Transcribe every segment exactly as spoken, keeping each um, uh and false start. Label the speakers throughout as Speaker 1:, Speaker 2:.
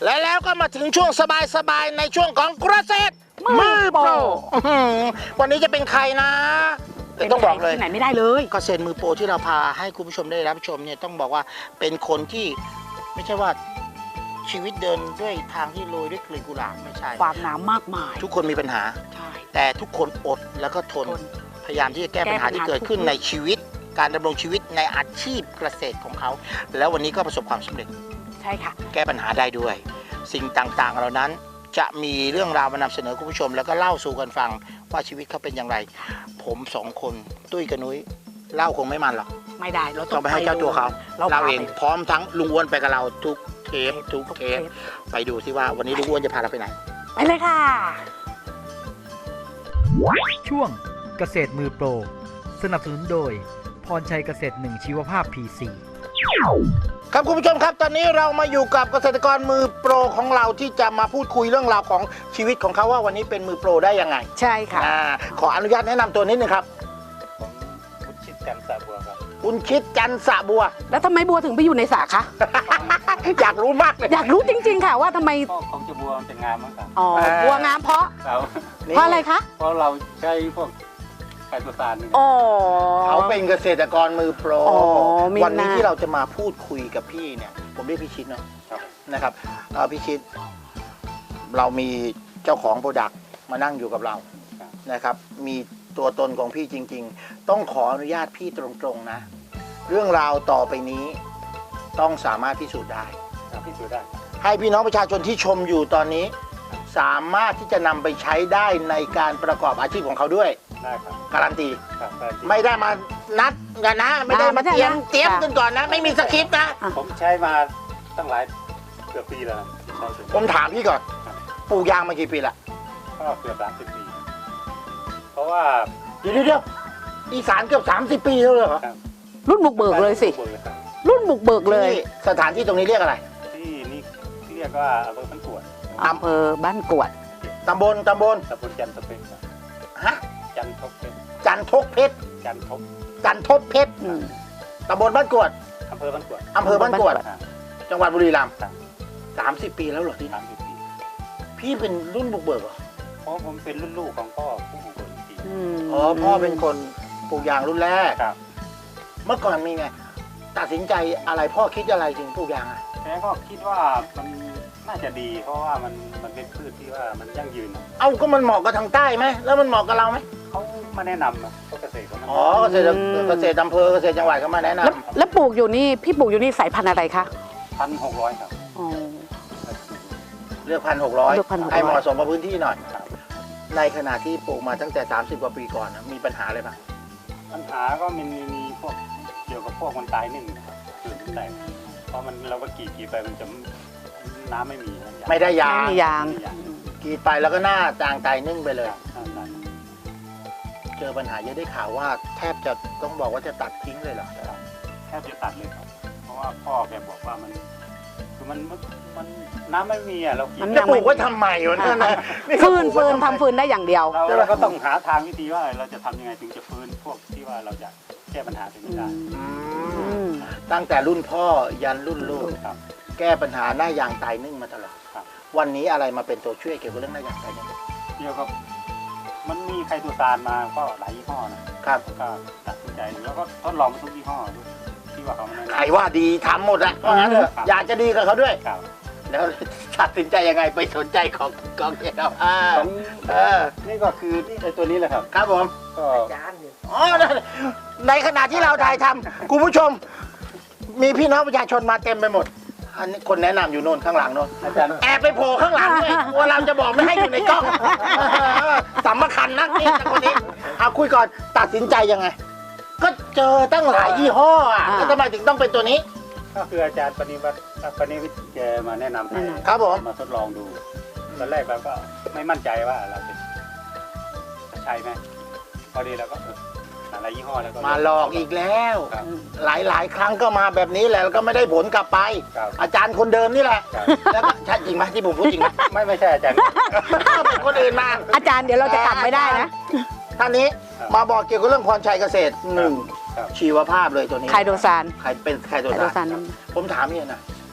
Speaker 1: และแล้วก็มาถึงช่วงสบายๆในช่วงของเกษตรมือโปรวันนี้จะเป็นใครนะแต่ต้องบอกเลย
Speaker 2: ที่ไหนไม่ได้เลย
Speaker 1: เกษตรมือโปรที่เราพาให้คุณผู้ชมได้รับชมเนี่ยต้องบอกว่าเป็นคนที่ไม่ใช่ว่าชีวิตเดินด้วยทางที่โรยด้วยกลีบกุหลาบไม่ใช่
Speaker 2: ความหนามากมาย
Speaker 1: ทุกคนมีปัญหา
Speaker 2: ใช่
Speaker 1: แต่ทุกคนอดแล้วก็ทน
Speaker 2: ทน
Speaker 1: พยายามที่จะแก้ปัญหาที่เกิดขึ้นในชีวิตการดำรงชีวิตในอาชีพเกษตรของเขาแล้ววันนี้ก็ประสบความสำเร็จ
Speaker 2: ใช่ค่ะ
Speaker 1: แก้ปัญหาได้ด้วย สิ่งต่างๆเหล่านั้นจะมีเรื่องราวมานำเสนอคุณผู้ชม แล้วก็เล่าสู่กันฟังว่าชีวิตเขาเป็นอย่างไร ผมสองคนตุ้ยกับนุ้ยเล่าคงไม่มันหรอก
Speaker 2: ไม่ได้เรา
Speaker 1: ต้องไปให้เจ้าตัวเขา
Speaker 2: เรา
Speaker 1: เล่า
Speaker 2: พา
Speaker 1: เอง
Speaker 2: ไป
Speaker 1: พร้อมทั้งลุงอ้วนไปกับเราทุกเทปทุกเทปไปดูสิว่าวันนี้ลุงอ้วนจะพาเราไปไหน
Speaker 2: ไปเลยค่ะ
Speaker 3: ช่วงเกษตรมือโปรสนับสนุนโดยพรชัยเกษตรหนึ่งชีวภาพ พี ซี
Speaker 1: ครับคุณผู้ชมครับตอนนี้เรามาอยู่กับเกษตรกรมือโปรของเราที่จะมาพูดคุยเรื่องราวของชีวิตของเขาว่าวันนี้เป็นมือโปรได้ยังไง
Speaker 2: ใช่ค่ะ
Speaker 1: อ่าขออนุญาตแนะนำตัวนิดนึงครับ
Speaker 4: ผมคุณชิดจันทร์สะบัวครับ
Speaker 1: คุณคิดจันทร์สะบัว
Speaker 2: แล้วทำไมบัวถึงไปอยู่ในสระคะ
Speaker 1: อยากรู้มากเลย
Speaker 2: อยากรู้จริงๆค่ะว่าทำไม
Speaker 4: ก็ของจะบัวมันจะงามมากครับ
Speaker 2: อ๋อ บัวงามเพราะ
Speaker 4: เรา
Speaker 2: เพราะอะไรคะ
Speaker 4: เพราะเราใช้พวกไคโตซานนี่
Speaker 2: อ๋อ
Speaker 1: เขาเป็นเกษตรกรมือโปร
Speaker 2: อ๋อมี
Speaker 1: วันนี้
Speaker 2: หน้า
Speaker 1: ที่เราจะมาพูดคุยกับพี่เนี่ยผมเรียกพี่ชิดเนาะ
Speaker 4: ครับ
Speaker 1: นะครับเอ่อพี่ชิดเรามีเจ้าของโปรดักต์มานั่งอยู่กับเรานะครับมีตัวตนของพี่จริง ๆ ต้องขออนุญาตพี่ตรงๆนะเรื่องราวต่อไปนี้ต้องสามารถพิสูจน์ได้
Speaker 4: ครับพิสูจน์ได้
Speaker 1: ให้พี่น้องประชาชนที่ชมอยู่ตอนนี้ สามารถที่จะนำไปใช้ได้ในการประกอบอาชีพของเขาด้วย
Speaker 4: ได้ครับ
Speaker 1: การันตี
Speaker 4: ครับได้ที่
Speaker 1: ไม่ได้มานัดกันนะ ไม่ได้
Speaker 2: อ่าไม่
Speaker 1: มา
Speaker 2: ได้
Speaker 1: เตรียม
Speaker 2: นะ
Speaker 1: เตรียม
Speaker 2: ค่ะ
Speaker 1: กันก่อนนะ ไม่มีสคริปต์นะ
Speaker 4: ผมใช้มาตั้งหลายเกือบปีแล้วนะใช้ถึง
Speaker 1: ผมถามพี่ก่อนปลูกยางมากี่ปีละ
Speaker 4: ก็เกือบสามสิบปี เพราะว่า
Speaker 1: เดี๋ยวเดี๋ยวอีสานเกือบสามสิบปีแล้วเหรอ
Speaker 4: ครับ
Speaker 2: รุ่นบุกเบิกเลยสิ
Speaker 4: บุกเบิกครับ
Speaker 2: รุ่นบุกเบิกเลย
Speaker 1: ที่สถานที่ตรงนี้เรียกอะไร
Speaker 4: ที่นี่เรียกว่าอำเภอพันกวด
Speaker 1: อำ
Speaker 2: อำเภอบ้านกวด
Speaker 1: ตำบลตำบล
Speaker 4: ตำบลจันทบเพชรครับ
Speaker 1: ฮะ
Speaker 4: จันทบเพชร
Speaker 1: จันทกเพชร
Speaker 4: จันทบ
Speaker 1: จันทบเพชร
Speaker 2: อืม
Speaker 1: ตำบลบ้านกวด
Speaker 4: อำเภอพันกวด
Speaker 1: อำเภอบ้านกวด
Speaker 4: ครับ
Speaker 1: จังหวัดบุรีรัมย์
Speaker 4: ครับ
Speaker 1: สามสิบปีแล้วเหรอที่
Speaker 4: สามสิบปี
Speaker 1: พี่เป็นรุ่นบุกเบิกเหรอ
Speaker 4: เพราะผมเป็นรุ่นลูกของพ่อผู้บุกเบิกอีกที
Speaker 2: อืม
Speaker 1: อ๋อพ่อเป็นคนปลูกยางรุ่นแรก
Speaker 4: ครับ
Speaker 1: เมื่อก่อนมีไงตัดสินใจอะไรพ่อคิดอะไรถึงปลูกยางอ่ะ
Speaker 4: แต่ก็คิดว่ามันน่าจะดี เพราะว่ามันมันเป็นพืชที่ว่ามันยั่งยืน
Speaker 1: เอ้าก็มันเหมาะกับทางใต้ไหมแล้วมันเหมาะกับเราไหม
Speaker 4: เขามาแนะนำอะพวกเกษตรเขามา
Speaker 1: อ๋อเกษตรเกษตรอำเภอเกษตรจังหวัดก็มาแนะน
Speaker 2: แล้วแล้วปลูกอยู่นี่ พี่ปลูกอยู่นี่สายพันธุ์อะไรคะ
Speaker 4: พันหกร้อยครับ
Speaker 2: อ๋อ
Speaker 1: ำเลือกพันหกร้อย
Speaker 2: เลือกพันหกร้อย
Speaker 1: ให้เหมาะสมกับพื้นที่หน่อย
Speaker 4: ครับ
Speaker 1: ในขณะที่ปลูกมาตั้งแต่สามสิบกว่าปีก่อนนะมีปัญหาอะไรบ้าง
Speaker 4: ปัญหาก็มันมีมีพวกเกี่ยวกับพวกมันตายนึ่งนะครับคือมันแตกเพราะมันเราก็กรีดกรีดไปมันจะน้ำไม่มีนะ
Speaker 1: ไม่ได้ยา
Speaker 2: ไม่
Speaker 1: ง
Speaker 2: มียาง
Speaker 1: กรีดไปแล้วก็หน้าจางตายนึ่งไปเลย
Speaker 4: ครับครับครับ
Speaker 1: เจอปัญหาเยอะได้ข่าวว่าแทบจะต้องบอกว่าจะตัดทิ้งเลยเหรอ
Speaker 4: แทบจะตัดเลยครับ เพราะว่าพ่อแกบอกว่ามันคือมันมันมันน้ำไม่มีอ่ะเรากรีด
Speaker 2: มัน
Speaker 1: จะปลูกไว้ทำไมวะนั่นนะนี่ก็
Speaker 2: ฟืน
Speaker 1: ปลูก
Speaker 2: ฟื
Speaker 1: ไว้
Speaker 2: น
Speaker 1: ทำไม
Speaker 2: ทำฟืนได้อย่างเดียว
Speaker 4: เราเราก็ต้องหาทางวิธีว่าเราจะทำยังไงถึงจะฟื้นพวกที่ว่าเราจะแก้ปัญหาตรงนี้ได้
Speaker 1: อื
Speaker 2: อื
Speaker 1: ม
Speaker 2: ม
Speaker 1: ตั้งแต่รุ่นพ่อยันรุ่นลูก
Speaker 4: ครับ
Speaker 1: แก้ปัญหาหน้ายางตายนึ่งมาตลอด
Speaker 4: ครับ
Speaker 1: วันนี้อะไรมาเป็นตัวช่วยเกี่ยวกับเรื่องหน้ายางตายนึ่ง
Speaker 4: เกี่ยวกับมันมีไคโตซานมาก็หลายยี่ห้อนะครับ ก็ตัดสินใจดูแล้วก็ทดลองทุกยี่ห้อดูที่ว่าเขาไม่แนะ
Speaker 1: ใคร
Speaker 4: นำ
Speaker 1: ว่าดีทำหมดอะเพราะงั้นเถอะ
Speaker 4: ครับ
Speaker 1: อยากจะดีกับเขาด้วย
Speaker 4: ครับ
Speaker 1: แล้วตัดสินใจยังไงไปสนใจของกองเทียนเราอ่า
Speaker 4: ของ
Speaker 1: เออ
Speaker 4: นี่ก็คือนี่ไอ้ตัวนี้แหละครับ
Speaker 1: ครับผม
Speaker 4: ก็
Speaker 1: อ๋อในขณะที่เราถ่ายทำคุณผู้ชม มีพี่น้องประชาชนมาเต็มไปหมดอันนี้คนแนะนำอยู่โน่นข้างหลังโน่น
Speaker 4: อาจารย์
Speaker 1: แอบไปโผล่ข้างหลังด้วยกลัวเราจะบอกไม่ให้อยู่ในกล้องสำคัญนักนี่คนนี้เอาคุยก่อนตัดสินใจยังไง ก็เจอตั้งหลายยี่ห้ออ่ะ
Speaker 2: อ่า
Speaker 1: แล้วทำไมถึงต้องเป็นตัวนี้
Speaker 4: ก็คืออาจารย์ปณิวัติปณิวิทย์แกมาแนะนำให้
Speaker 2: แนะนำ
Speaker 1: ครับผม
Speaker 4: มาทดลองดูตอนแรกเราก็ไม่มั่นใจว่าเราจะจะใช่ไหมพอดีเราก็เออหลายยี่ห้อแล้วก็
Speaker 1: มาหลอกอีกแล้ว
Speaker 4: ครับ
Speaker 1: หลายหลายๆครั้งก็มาแบบนี้แหละแล้วก็ไม่ได้ผลกลับไป
Speaker 4: ครับ
Speaker 1: อาจารย์คนเดิมนี่แหละ
Speaker 4: ครับ
Speaker 1: แล้วก็ใช่จริงไหมที่ผมพูดจริงไหม
Speaker 4: ไม่ไม่ใช่อาจารย์
Speaker 1: เป็นคนอื่นมา
Speaker 2: อาจารย์เดี๋ยวเราจะกลับไม่ได้นะ
Speaker 1: ท่านนี้
Speaker 4: ครับ
Speaker 1: มาบอกเกี่ยวกับเรื่องพรชัยเกษตรหนึ่ง
Speaker 4: ครับ
Speaker 1: ชีวภาพเลยตัวนี้
Speaker 2: ไคโดซาน
Speaker 1: ใครเป็นใครตัว
Speaker 2: ไคโดซา
Speaker 1: นั้น นผมถามเนี่ยนะ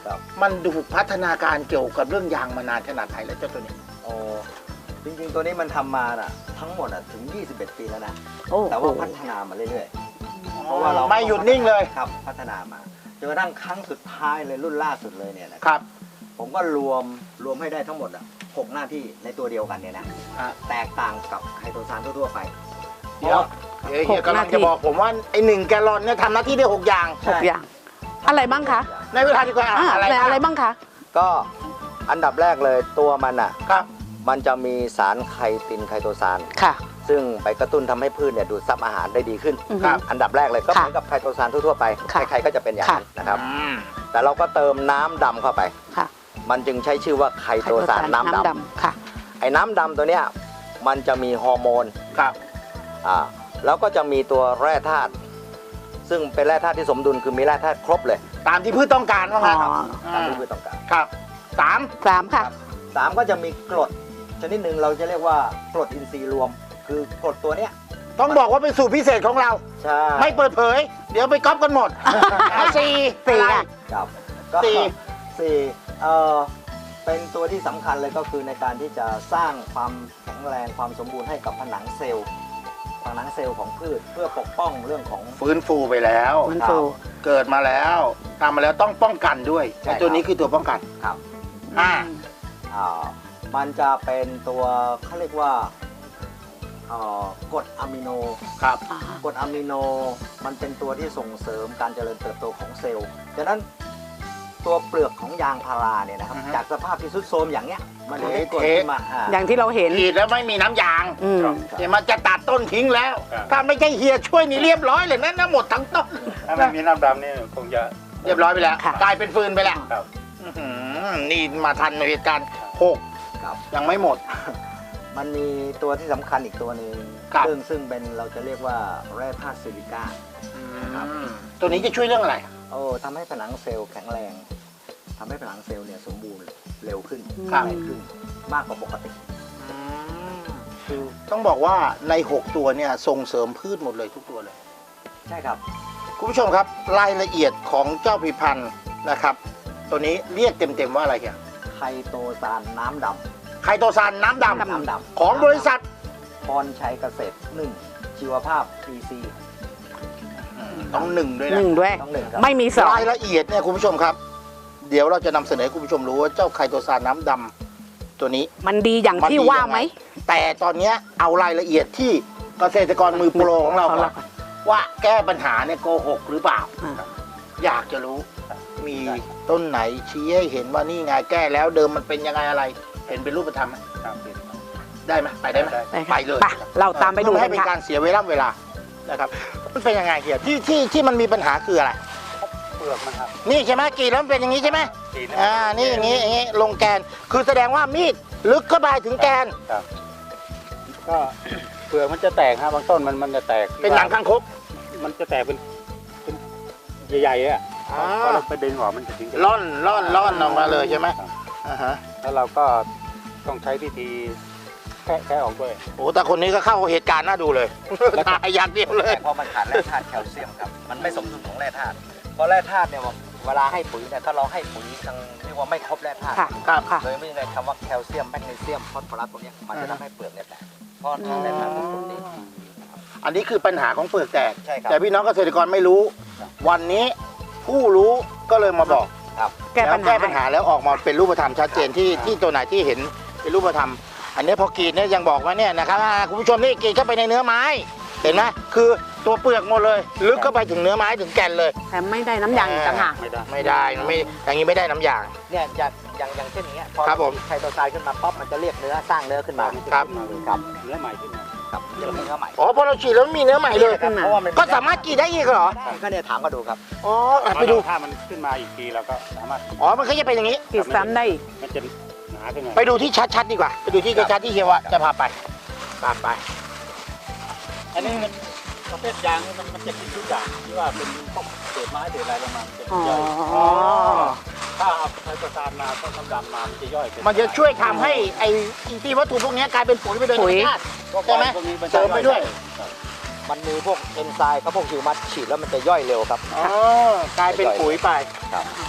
Speaker 5: ครับ
Speaker 1: มันดูพัฒนาการเกี่ยวกับเรื่องยางมานานขนาดไหนแล้วเจ้าตัวนี้
Speaker 5: โอ้จริงๆตัวนี้มันทำมาน่ะทั้งหมดอ่ะถึงยี่สิบเอ็ดปีแล้วนะ
Speaker 2: โอ้
Speaker 5: แต่ว่าพัฒนามาเรื่อยๆเพราะว่าเรา
Speaker 1: ไม่หยุดนิ่งเลย
Speaker 5: ครับพัฒนามาจนกระทั่งครั้งสุดท้ายเลยรุ่นล่าสุดเลยเนี่ยนะ
Speaker 1: ครับ
Speaker 5: ผมก็รวมรวมให้ได้ทั้งหมดอ่ะหกหน้าที่ในตัวเดียวกันเนี่ยนะ
Speaker 1: อ่ะ
Speaker 5: แตกต่างกับไคโตซานทั่วๆไป
Speaker 1: เดี๋ยวเดี๋ยวเฮียกำลังจะบอกผมว่าไอหนึ่งแกลลอนเนี่ยทำหน้าที่ได้หกอย่าง
Speaker 2: หกอย่าง อะไรบ้างคะ
Speaker 1: ในเวลาดีกว่า
Speaker 2: อ่า
Speaker 1: อะไร
Speaker 2: อะไรอะไรบ้างคะ
Speaker 5: ก็อันดับแรกเลยตัวมันอ่ะ
Speaker 1: ครับ
Speaker 5: มันจะมีสารไคตินไคโตซาน
Speaker 2: ค่ะ
Speaker 5: ซึ่งไปกระตุ้นทำให้พืชเนี่ยดูดซับอาหารได้ดีขึ้น
Speaker 2: อือฮึ
Speaker 5: ครับอันดับแรกเลยก็เห
Speaker 2: ค่ะ
Speaker 5: มือนกับไคโตซานทั่วๆไป
Speaker 2: ค่ะ
Speaker 5: ใครๆก็จะเป็นอย่างนั้น
Speaker 2: ค่ะ
Speaker 5: นะครับ
Speaker 1: อืม
Speaker 5: แต่เราก็เติมน้ำดำเข้าไป
Speaker 2: ค่ะ
Speaker 5: มันจึงใช้ชื่อว่าไคโตซานน้ำดำ
Speaker 2: ค่ะ
Speaker 5: ไอ้น้ำดำตัวเนี้ยมันจะมีฮอร์โมน
Speaker 1: ครับ
Speaker 5: อ่าแล้วก็จะมีตัวแร่ธาตุซึ่งเป็นแร่ธาตุที่สมดุลคือมีแร่ธาตุครบเลย
Speaker 1: ตามที่พืชต้องการว่างั้น
Speaker 2: อ๋อ
Speaker 5: ตามที่พืชต้องการ
Speaker 1: ครับสาม
Speaker 2: สามค่ะ
Speaker 5: สามก็จะมีกรดชนิดหนึ่งเราจะเรียกว่ากรดอินทรีย์รวม คือกรดตัวเนี้ย
Speaker 1: ต้องบอกว่าเป็นสูตรพิเศษของเรา
Speaker 5: ใช่
Speaker 1: ไม่เปิดเผย เดี๋ยวไปก๊อปกันหมดเอาสี่
Speaker 2: สี่
Speaker 1: อะไร
Speaker 2: อ่ะ
Speaker 5: ครับก็
Speaker 1: สี่
Speaker 5: สี่เอ่อเป็นตัวที่สำคัญเลยก็คือในการที่จะสร้างความแข็งแรงความสมบูรณ์ให้กับผนังเซลล์ผนังเซลล์ของพืชเพื่อปกป้องเรื่องของ
Speaker 1: ฟื้นฟูไปแล้ว
Speaker 2: ฟื้นฟู
Speaker 1: เกิดมาแล้วทำมาแล้วต้องป้องกันด้วย
Speaker 5: ใช่
Speaker 1: ไอ้ตัว
Speaker 5: ครับ
Speaker 1: นี้คือตัวป้องกัน
Speaker 5: ครับ
Speaker 1: อ่า
Speaker 5: อ่ามันจะเป็นตัวเขาเรียกว่าเอ่อกรดอะมิโน
Speaker 1: ครับ
Speaker 2: อ่าก
Speaker 5: รดอะมิโนมันเป็นตัวที่ส่งเสริมการเจริญเติบโตของเซลล์ดังนั้นตัวเปลือกของยางพาราเนี่ยนะครับจากสภาพที่ทรุดโทรมอย่างเนี้ยมันจะได้กรดขึ้นมาอ่า
Speaker 2: อย่างที่เราเห็น
Speaker 1: ขีดแล้วไม่มีน้ำยาง
Speaker 2: อืม
Speaker 1: เดี๋ยวมันจะตัดต้นทิ้งแล้ว
Speaker 4: ครับ
Speaker 1: ถ้าไม่ใช่เฮียช่วยนี่เรียบร้อยเลยนะนะหมดทั้งต้น
Speaker 4: ถ้าไม่มีน้ำดำนี่คงจะ
Speaker 1: เรียบร้อยไปแล้ว
Speaker 2: ค่ะ
Speaker 1: กลายเป็นฟืนไปแล้ว
Speaker 4: ครับ
Speaker 1: อื้อหือนี่มาทันในเหตุการณ์หก
Speaker 5: ครับ
Speaker 1: ยังไม่หมด
Speaker 5: มันมีตัวที่สำคัญอีกตัวหนึ่ง
Speaker 1: ครับ
Speaker 5: ซึ่งซึ่งเป็นเราจะเรียกว่าแร่ธาตุซิลิก้า ครับ
Speaker 1: อืมตัวนี้จะช่วยเรื่องอะไร
Speaker 5: โอ้ทำให้ผนังเซลล์แข็งแรงทำให้ผนังเซลล์เนี่ยสมบูรณ์เร็วขึ้น
Speaker 1: ครับ
Speaker 5: แรงขึ้นมากกว่าปกติ
Speaker 1: อืม
Speaker 5: คือ
Speaker 1: ต้องบอกว่าในหกตัวเนี่ยส่งเสริมพืชหมดเลยทุกตัวเลย
Speaker 5: ใช่ครับ
Speaker 1: คุณผู้ชมครับรายละเอียดของเจ้าผลิตภัณฑ์นะครับ ตัวนี้เรียกเต็มๆว่าอะไรเฮีย
Speaker 5: ไคโตซานน้ำด
Speaker 1: ไคโตซานน้ำด
Speaker 5: ำน้ำดำ
Speaker 1: ำของบริษัท
Speaker 5: พรชัยเกษตรหนึ่งชีวภาพ พี ซี
Speaker 1: ต้องหนึ่งด้วย
Speaker 2: ห
Speaker 1: นะ
Speaker 2: นึ่งด้วย
Speaker 5: ต้องหนึ่งครับ
Speaker 2: ไม่มีสอง
Speaker 1: รายละเอียดเนี่ยคุณผู้ชมครับ เดี๋ยวเราจะนำเสนอให้คุณผู้ชมรู้ว่าเจ้าไคโตซานน้ำดำตัวนี้
Speaker 2: มันดีอย่าง
Speaker 1: มัน
Speaker 2: ที่
Speaker 1: ดี
Speaker 2: ว่า
Speaker 1: ยังไง
Speaker 2: ไหม
Speaker 1: แต่ตอนเนี้ยเอารายละเอียดที่เกษตรกรมือโปรของเราก่อนว่าแก้ปัญหาเนี่ยโกหกหรือเปล่า
Speaker 2: อ่า
Speaker 1: อยากจะรู้มีต้นไหนชี้ให้เห็นว่านี่ไงแก้แล้วเดิมมันเป็นยังไงอะไร เห็นเป็นรูปธรรมไหม
Speaker 4: ครับ
Speaker 1: ได้ไหมไปได้ไหม
Speaker 4: ได้
Speaker 2: ไปค่ะ
Speaker 1: ไปเลย
Speaker 2: ไปเราตามไปดู
Speaker 1: เพื่อ
Speaker 2: กั
Speaker 1: ให้
Speaker 2: น
Speaker 1: เป็น
Speaker 2: ค่ะ
Speaker 1: การเสียเวลาเวลานะครับมันเป็นยังไงเกียรติที่ที่ที่มันมีปัญหาคืออะไร
Speaker 4: เปลือกมันครับ
Speaker 1: นี่ใช่ไหมกรีดแล้วมันเป็นอย่างนี้ใช่ไหม
Speaker 4: สี
Speaker 1: อ่านี่อย่างนี้อย่างนี้ลงแกนคือแสดงว่ามีดลึกเข้าไปถึงแกน
Speaker 4: ครับก็เปลือกมันจะแตกฮะบางต้นมันมันจะแตก
Speaker 1: เป็นหนังคางคก
Speaker 4: มันจะแตกเป็นเป็นใหญ่ๆอ่ะ
Speaker 1: อ่า
Speaker 4: พอเราไปดึงออกมันจะถึงจะ
Speaker 1: ล่อนล่อนล่อนออกมาเลยใช่ไหม
Speaker 4: ครับ
Speaker 1: อ่าฮะ
Speaker 4: แล้วเราก็ต้องใช้วิธีแค่แค่ออกด้วย
Speaker 1: โอ้แต่คนนี้ก็เข้าเหตุการณ์น่าดูเลยตายอย่างเดียวเลย
Speaker 5: แต่พอมันขาดแร่ธาตุแคลเซียมครับ มันไม่สมดุลของแร่ธาตุเพราะแร่ธาตุเนี่ยเวลาให้ปุ๋ยเนี่ยถ้าเราให้ปุ๋ยทางเรียกว่าไม่ครบแร่ธาตุ
Speaker 2: ค่ะ
Speaker 1: ครับ
Speaker 2: ค่ะ
Speaker 5: โดยไม่ได้คำว่าแคลเซียมแมกนีเซียมฟอสฟอรัสพวกเนี้ยมันจะทำให้เปลือกเนี่ยแตกเพราะทางแร่ธาตุเป็นกรดนี้
Speaker 1: อันนี้คือปัญหาของเปลือกแตก
Speaker 5: ใช่ครับ
Speaker 1: แต่พี่น้องเกษตรกรไม่รู้ วันนี้ผู้รู้ก็เลยมาบอก
Speaker 5: ครับ
Speaker 2: แก้ปัญ
Speaker 1: ล้ว
Speaker 2: หา
Speaker 1: แก้ปัญหาแล้วออกมาเป็นรูปธรรมชัดเจนที่ที่ตัวไหนที่เห็นเป็นรูปธรรม อันนี้พอกรีดเนี่ยยังบอกว่าเนี่ยนะครับอ่าคุณผู้ชมนี่กรีดเข้าไปในเนื้อไม้ เห็นไหมคือตัวเปลือกหมดเลย ลึกเข้าไปถึงเนื้อไม้ถึงแก่นเลย
Speaker 2: แต่ไม่ได้น้ำยางต่างหาก
Speaker 4: ไม่ได้
Speaker 1: ไม่ได้ไม่อย่างนี้ไม่ได้น้ำยาง
Speaker 5: เนี่ยอย่างอย่างอย่างเช่นอย่างเงี้ยพอ
Speaker 1: ครับผม
Speaker 5: ไคโตซานขึ้นมาป๊อปมันจะเรียกเนื้อสร้างเนื้อขึ้นมา
Speaker 1: ครับ
Speaker 5: ครับ
Speaker 4: เนื้อใหม่ขึ้นมา
Speaker 5: ครับจะมีเนื้อใหม่
Speaker 1: อ๋อพอเราฉีดแล้วมีเนื้อใหม่เลย
Speaker 2: ขึ้นมา
Speaker 5: เพราะว่ามัน
Speaker 1: ก็สามารถกรีดได้อีกเหรอ
Speaker 5: ก็เนี่ยถามก็ดูครับ
Speaker 1: อ๋ออ่ะไปดู
Speaker 4: ถ้ามันขึ้นมาอีกทีเราก็สามารถ
Speaker 1: อ๋อมันก็จะเป็นอย่างนี้
Speaker 2: กิดซ้ำได้
Speaker 4: มันจะหนาขึ้นมา
Speaker 1: ไปดูที่ชัดๆดีกว่า ไปดูที่ชัดๆที่เฮียวะจะพาไปตามไป
Speaker 4: อันนี้มันประเภทยางนี่มันมันจะกินทุกอย่างที่ว่าเป็นพวกเศษไม้เศษอะไรลงมามันจะ
Speaker 2: อ๋อ
Speaker 4: ย่อย
Speaker 1: อ๋อ
Speaker 4: ถ้าเอาไคโตซานมาต้นน้ำดำมามันจะย่อยเป็น
Speaker 1: มันจะช่วยทำให้ไอ้อินทรีย์วัตถุพวกนี้กลายเป็นปุ๋ยไปโดยธรรมชาติ ใช่ไหม
Speaker 4: พวกนี้น
Speaker 1: เสริมไปด้วย
Speaker 4: ครับ
Speaker 5: มันมีพวกเอนไซม์ครับพวกฮิวมัสฉีดแล้วมันจะย่อยเร็วครับ
Speaker 1: อ๋อกลายเป็นปุ๋ยไป
Speaker 5: ครับ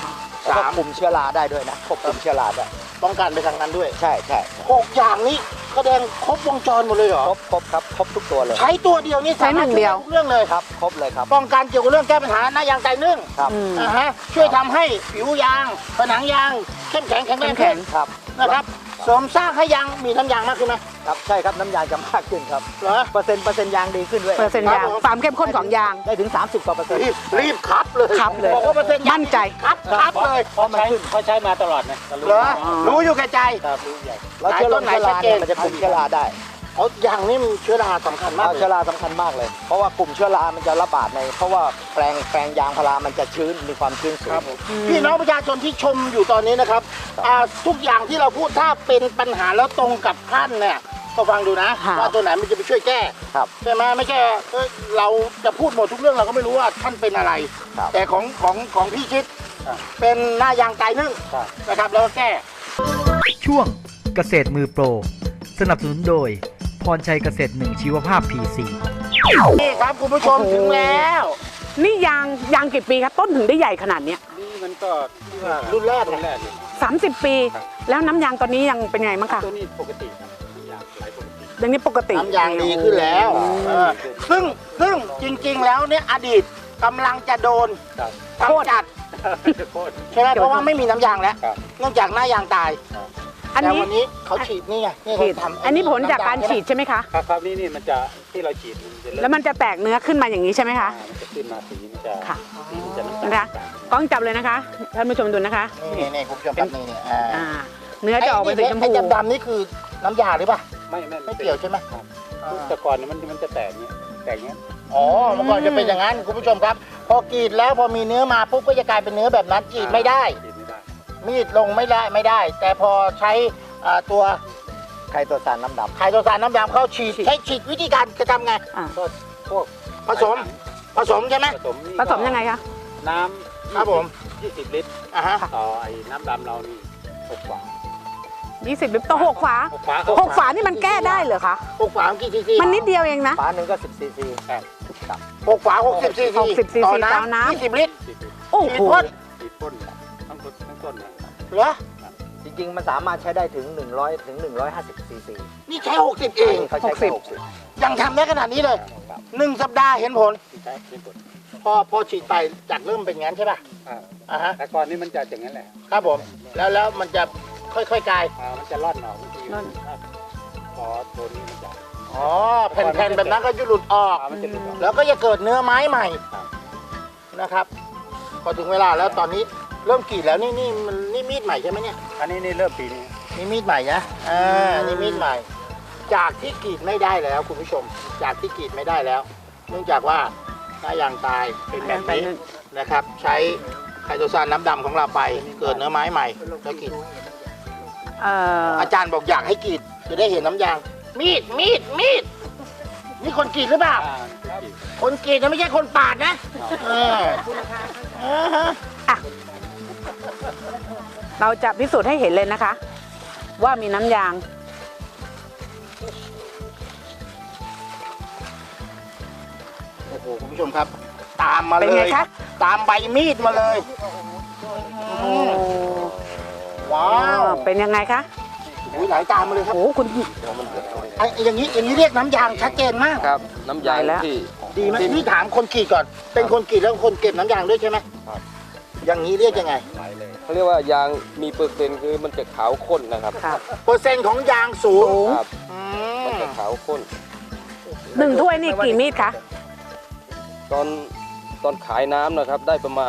Speaker 5: แล้วก็
Speaker 1: สาม
Speaker 5: คุมเชื้อราได้ด้วยนะควบคุมเชื้อราได้
Speaker 1: ป้องกันไปทางนั้นด้วย
Speaker 5: ใช่ใช่
Speaker 1: หกอย่างนี้แสดงครบวงจรหมดเลยเหรอ
Speaker 5: ครบครบครับครบทุกตัวเลย
Speaker 1: ใช้ตัวเดียวนี่
Speaker 2: ใช้หนึ่งเดียว
Speaker 1: สามารถช่ทุกเรื่องเลย
Speaker 5: ครับครบเลยครับ
Speaker 1: ป้องกันเกี่ยวกับเรื่องแก้ปัญหาหน้ายางไตนึ่ง
Speaker 5: ครับ
Speaker 2: อืม
Speaker 1: นะฮะช่วยทำให้ผิวยางผนังยางเข้มแข็งแข็งแรง
Speaker 2: เข้มแข็
Speaker 1: ขึ้
Speaker 2: ง
Speaker 1: น
Speaker 5: ครับ
Speaker 1: นะครับเสริมสร้างให้ยางมีน้ำยางมากขึ้นไหม
Speaker 5: ครับใช่ครับน้ำยางจะมากขึ้นครับ
Speaker 1: เหรอ
Speaker 5: เปอร์เซ็นต์เปอร์เซ็นต์ยางดีขึ้นด้วย
Speaker 2: เปอร์เซ็นต์ยางความเข้มข้นของยาง
Speaker 5: ได้ถึง สามสิบกว่าเปอร์เซ็นต์
Speaker 1: รีบรีบคัดเลย
Speaker 2: คัดเลย
Speaker 1: บอกว่าเปอร์เซ็นต์ยาง
Speaker 2: มั่นใจ
Speaker 1: คัดคัดเลย
Speaker 4: เพราะมันขึ้นเขาใช้มาตลอดนะรู้
Speaker 1: เหรอรู้อยู่แก่ใจ
Speaker 4: ครับรู้ใหญ่
Speaker 5: แล้วเชื้อราเชื้อราเนี่ยมันจะคุมเชื้อราได้
Speaker 1: เอายางนี่มันเชื้อราสำคัญมาก
Speaker 5: เอา
Speaker 1: เลย
Speaker 5: เชื้อราสำคัญมากเลย เพราะว่ากลุ่มเชื้อรามันจะระบาดใน เพราะว่าแปลงแปลงยางพารามันจะชื้นมีความชื้นสูง
Speaker 1: ครับผมพี่น้องประชาชนที่ชมอยู่ตอนนี้นะครับอ่าทุกอย่างที่เราพูดถ้าเป็นปัญหาแล้วตรงกับท่านเนี่ยก็ฟังดูนะ
Speaker 2: ค่ะ
Speaker 1: ว่าตัวไหนมันจะไปช่วยแก้
Speaker 5: ครับ
Speaker 1: ใช่ไหมไม่ใช่เอ้ยเราจะพูดหมดทุกเรื่องเราก็ไม่รู้ว่าท่านเป็นอะไร
Speaker 5: ครับ
Speaker 1: แต่ของของของพี่ชิดเป็นหน้ายางไตนึ่งนะครับแล้วก็แก้
Speaker 3: ช่วงเกษตรมือโปร สนับสนุนโดย พรชัยเกษตรหนึ่งชีวภาพ พี ซี
Speaker 1: นี่ครับคุณผู้ชม
Speaker 2: โอ้โห
Speaker 1: ถึงแล้ว
Speaker 2: นี่ยางยางกี่ปีครับต้นถึงได้ใหญ่ขนาดเนี้ย
Speaker 4: นี่มันก็ที่ว่า
Speaker 1: รุ่นแรก
Speaker 4: รุ่น
Speaker 1: เนี่ย
Speaker 4: แรกเลย
Speaker 2: สามสิบปี
Speaker 4: ครับ
Speaker 2: แล้วน้ำยางตอนนี้ยังเป็นไงบ้างคะ
Speaker 4: ตัวนี้ปกติครับยางไหลปกติ
Speaker 2: เดี๋ยวนี้ปกติ
Speaker 1: น้ำยางดีขึ้นแล้ว
Speaker 2: อืม
Speaker 1: เออซึ่งซึ่งจริงๆแล้วเนี่ยอดีตกำลังจะโดน
Speaker 4: ครับ
Speaker 1: กำจัด
Speaker 4: โคตร
Speaker 1: ใช่ไหมเพราะว่าไม่มีน้ำยางแล้ว
Speaker 4: ครับ
Speaker 1: เนื่องจากหน้ายางตาย
Speaker 2: อัน
Speaker 1: แต่
Speaker 2: นี้
Speaker 1: วันนี้เขาฉีดนี่ไงนี่
Speaker 2: ฉีด
Speaker 1: เขาทำ
Speaker 2: อันนี้ผลจากการฉีดใช่ไหมคะ
Speaker 4: ครับครับนี่นี่มันจะที่เราฉีดมันจะเริ่ม
Speaker 2: แล้วมันจะแตกเนื้อขึ้นมาอย่างนี้ใช่ไหมคะ
Speaker 4: อ่ามันจะขึ้นมาสีมันจะ
Speaker 2: ค่ะ
Speaker 4: สีมันจะน้ำตาล
Speaker 2: นะคะกล้องจับเลยนะคะท่านผู้ชมดูนะคะ
Speaker 1: นี่นี่คุณผู้ชมครับนี่นี่อ่า
Speaker 2: อ่า เนื้อจะออกเป็นสีชม
Speaker 1: ไอ้
Speaker 2: พู
Speaker 1: ดำๆนี่คือน้ำยาหรือเปล่า
Speaker 4: ไม่ไม่
Speaker 1: ไม่เกี่ยวใช่ไหม
Speaker 4: ครับ
Speaker 1: อ่า
Speaker 4: แต่ก่อนเนี่ยมันมันจะแตกเนี้ยแตกเนี้ย
Speaker 1: อ๋อเมื่อก่อนจะเป็นอย่างนั้นคุณผู้ชมครับ พอกรีดแล้วพอมีเนื้อมาปุ๊บก็จะกลายเป็นเนื้อแบบนั้นกรีดไม่ได้
Speaker 4: ฉีดไม่ได้
Speaker 1: มีดลงไม่ได้ไม่ได้ แต่พอใช้อ่าตัว
Speaker 5: ไข่ตัวสารน้ำดำ
Speaker 1: ไขโตซานน้ำยางเข้าฉีดใช้ฉีดวิธีการจะทำไง
Speaker 2: อ่า
Speaker 4: ก็พวก
Speaker 1: ผสมผสมใช่ไหม
Speaker 4: ผสมนี่
Speaker 2: ผสมยังไงคะ
Speaker 4: น้ำ
Speaker 1: ครับผม
Speaker 4: ยี่สิบลิตร
Speaker 1: อ่าฮะ
Speaker 4: ต่อไอ้น้ำดำเรานี่หกฝา
Speaker 2: ยี่สิบลิตรต่อหกฝา
Speaker 4: หกฝา
Speaker 2: หกฝานี่มันแก้ได้เหรอคะ
Speaker 1: หกฝากี่ซีซี
Speaker 2: มันนิดเดียวเองนะ
Speaker 5: ฝาหนึ่งก็สิบซีซี
Speaker 4: ครับ
Speaker 1: หกฝาหกสิบซีซี
Speaker 2: หกสิบซีซี
Speaker 1: ต่อ
Speaker 2: ต่อ
Speaker 1: น้ำ
Speaker 2: น้ำ
Speaker 1: ยี่สิบลิตร
Speaker 4: ฉีด
Speaker 2: โอ้
Speaker 1: ฉีด
Speaker 2: โห
Speaker 1: พ่น
Speaker 4: ฉีดพ่นทั้งต้นทั้งต้นนะ
Speaker 1: เหรอ
Speaker 5: จริงๆมันสามารถใช้ได้ถึงหนึ่งร้อยถึงหนึ่งร้อยห้าสิบซีซี
Speaker 1: นี่ใช้หกสิบเอง
Speaker 5: เขาใช้
Speaker 2: หกสิบ
Speaker 5: หกสิบ
Speaker 1: ยังทำได้ขนาดนี้เลยหนึ่งสัปดาห์เห็นผล
Speaker 4: ที่ใช้ที่ผล
Speaker 1: พอพอฉีดไปจากเริ่มเป็นงั้นใช่ป่ะ
Speaker 4: อ่า
Speaker 1: อ่าฮะ
Speaker 4: แต่ก่อนนี่มันจะอย่างนั้นแหละ
Speaker 1: ครับผมแล้วแล้วมันจะค่อยๆกลาย
Speaker 4: อ่ามันจะร่อนออกบางที
Speaker 2: ร่อน
Speaker 4: พอตัวนี้มันจะ
Speaker 1: อ๋อแผ่นๆแบบนั้นก็จะหลุดออก
Speaker 4: อ่ามันจะหลุดออก
Speaker 1: แล้วก็จะเกิดเนื้อไม้ใหม่
Speaker 4: ครับ
Speaker 1: นะครับ พอถึงเวลาแล้วตอนนี้เริ่มกรีดแล้วนี่นี่มันนี่มีดใหม่ใช่ไหมเนี่ย
Speaker 4: อันนี้นี่เริ่มปีนี้
Speaker 1: นี่มีดใหม่นะอ่านี่มีดใหม่ จากที่กรีดไม่ได้แล้วคุณผู้ชม จากที่กรีดไม่ได้แล้ว เนื่องจากว่าหน้ายางตายเป็นแบบนี้นะครับ ใช้ไคโตซานน้ำดำของเราไป เกิดเนื้อไม้ใหม่แล้วกรีด
Speaker 2: เอ่อ
Speaker 1: อาจารย์บอกอยากให้กรีดจะได้เห็นน้ำยาง มีดมีดมีดนี่คนกรีดหรือเปล่า
Speaker 4: อ่าครับ
Speaker 1: คนกรีดนะไม่ใช่คนปาดนะเอออ่าฮะ
Speaker 2: เราจะพิสูจน์ให้เห็นเลยนะคะ ว่ามีน้ำยาง
Speaker 1: โอ้โหคุณผู้ชมครับ ตามมา
Speaker 2: เป็น
Speaker 1: เล
Speaker 2: ไง
Speaker 1: ย
Speaker 2: คะ
Speaker 1: ตามใบมีดมาเลย
Speaker 2: โอ้
Speaker 1: ว้าว
Speaker 2: เป็นยังไงคะ
Speaker 1: อุ้ยไหลตามมาเลยครับ
Speaker 2: โอ้คุณ
Speaker 1: ไอ้อย่างนี้อย่างนี้เรียกน้ำยางชัดเจนมาก
Speaker 6: ครับ น้ำยาง
Speaker 2: ได้แล้ว
Speaker 6: ที่
Speaker 1: ดีไหม
Speaker 6: ที่
Speaker 1: พี่ถามคนกรีดก่อน เป็นคนกรีดแล้วคนเก็บน้ำยางด้วยใช่ไหมอย่างนี้เรียกยังไง
Speaker 6: เขาเรียกว่ายางมีเปอร์เซ็นต์คือมันจะขาวข้นนะครับ
Speaker 2: ค่ะ
Speaker 1: เปอร์เซ็นต์ของยางสูง
Speaker 6: ครับ
Speaker 1: อื
Speaker 6: มัน
Speaker 1: ม
Speaker 6: จะขาวข้น
Speaker 2: หนึ่งถ้วยนี่กี่มีดคะ
Speaker 6: ตอนตอนขายน้ำนะครับ ได้ประมาณ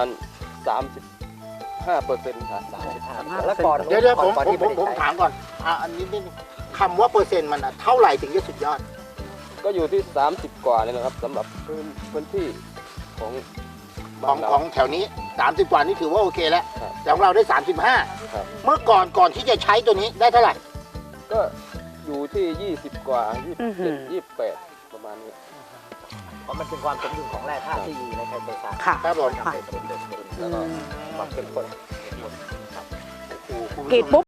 Speaker 6: 35เปอร์เซ็นต์ครับ
Speaker 5: แล้วก่อน
Speaker 1: เดี๋ยวเดี๋ยวผม
Speaker 5: ก่อน
Speaker 1: ผม
Speaker 5: ที่
Speaker 1: ผม
Speaker 5: ไได้
Speaker 1: ผม
Speaker 5: ใช้
Speaker 1: ถามก่อนอ่ะอันนี้นิดนึงคำว่าเปอร์เซ็นต์มันอะเท่าไหร่ถึงจะสุดยอด
Speaker 6: ก็อยู่ที่ 30 กว่านี่นะครับสำหรับพื้นพื้นที่ของ
Speaker 1: ข
Speaker 6: บ้า
Speaker 1: อน ง
Speaker 6: เรา
Speaker 1: ของแถวนี้ สามสิบ กว่านี่ถือว่าโอเคแล้ว
Speaker 6: ครับ
Speaker 1: แต่ของเราได้ สามสิบห้า
Speaker 6: ครับ
Speaker 1: เมื่อก่อนก่อนที่จะใช้ตัวนี้ได้เท่าไหร่
Speaker 6: ก็อยู่ที่ 20 กว่า 27 28 ประมาณนี้
Speaker 5: เพราะมันเป็นความสมดุลของแร่ธาตุที่อยู่ในไข่ตัวสาร
Speaker 2: ค่ะ
Speaker 1: ครับผม
Speaker 5: ทำให้สมดุลแล้วก็ความเข้มข้น
Speaker 2: กรีดปุ๊บ